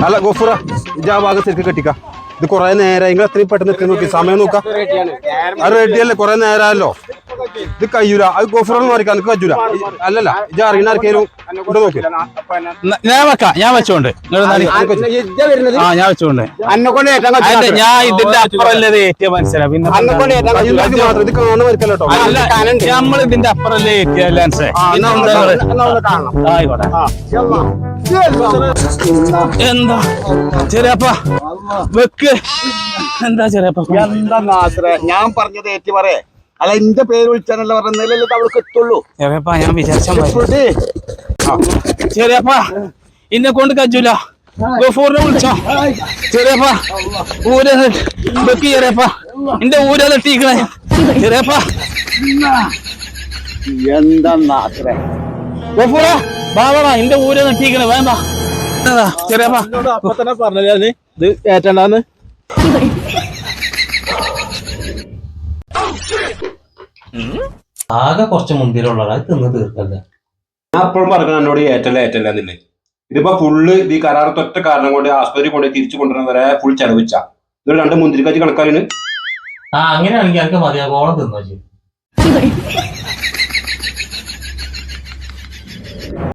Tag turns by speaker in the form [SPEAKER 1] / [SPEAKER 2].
[SPEAKER 1] അല്ല ഗോഫുറ ഇജാ ഭാഗം ശരിക്കും കെട്ടിക്ക. ഇത് കുറെ നേരം നിങ്ങൾ എത്രയും പെട്ടെന്ന് എത്തി നോക്കി സമയം നോക്കാം. അത് റെഡിയല്ലേ, കുറെ നേരമല്ലോ. ഇത് കഴിയൂല, അത് ഗോഫുറൊന്നും മാറിക്കാൻ എനിക്ക് പറ്റൂല. അല്ലല്ല ഇജ അറിയുന്ന ആർക്കേലും ഇവിടെ നോക്കി.
[SPEAKER 2] ഞാൻ വെക്കാം, ഞാൻ വെച്ചോണ്ട് ഞാൻ വെച്ചോണ്ട് ഞാൻ ഇതിന്റെ അപ്പുറല്ലേ ഏറ്റിയ മനസ്സിലാ. പിന്നെ
[SPEAKER 1] മാത്രം ഇത് കാണുന്ന വരക്കല്ലോ.
[SPEAKER 2] നമ്മൾ ഇതിന്റെ അപ്പുറല്ലേ ഏറ്റിയ ആയിക്കോട്ടെ. എന്താ ചെറിയപ്പ വെക്ക്, എന്താ ചെറിയപ്പ
[SPEAKER 3] എന്താ നാസറേ ഞാൻ പറഞ്ഞത് ഏറ്റി പറയേ. അല്ല എന്റെ പേര് വിളിച്ചാണല്ലോ പറഞ്ഞല്ലേ അവൾക്ക് എത്തുള്ളൂ.
[SPEAKER 2] ചെറിയപ്പ ഞാൻ വിചാരിച്ച ചെറിയപ്പ ഇന്നെ കൊണ്ട് കജൂല. ഗഫൂറിനെ വിളിച്ചോ ചെറിയപ്പ. ഊര് വെക്ക് ചെറിയപ്പ, എന്റെ ഊര തട്ടിക്കണേ ചെറിയപ്പ.
[SPEAKER 3] എന്താ നാസറേ
[SPEAKER 2] ഗഫൂറ ബാബാ എന്റെ ഊര തട്ടിക്കണേ വേണ്ട ചെറിയപ്പ.
[SPEAKER 4] അപ്പൊ തന്നെ പറഞ്ഞത് ഇത് ഏറ്റണ്ടാന്ന്.
[SPEAKER 5] ആകെ കുറച്ച് മുന്തിരിയുള്ള തിന്ന് തീർക്കല്ലേ.
[SPEAKER 1] ഞാൻ എപ്പോഴും പറഞ്ഞു എന്നോട് ഏറ്റല്ല എന്നില്ലേ. ഇതിപ്പോ ഫുള്ള് ഇത് ഈ കരാറത്തൊറ്റ കാരണം കൊണ്ട് ആസ്പത്രി കൊണ്ട് തിരിച്ചു കൊണ്ടുവരാൻ വരെ ഫുൾ ചെലവിച്ച. ഇതൊരു 2 മുന്തിരിക്കാച്ചി കണക്കാരിന്.
[SPEAKER 5] അങ്ങനെയാണെങ്കിൽ എനിക്ക് മതിയാകോളം തിന്നു.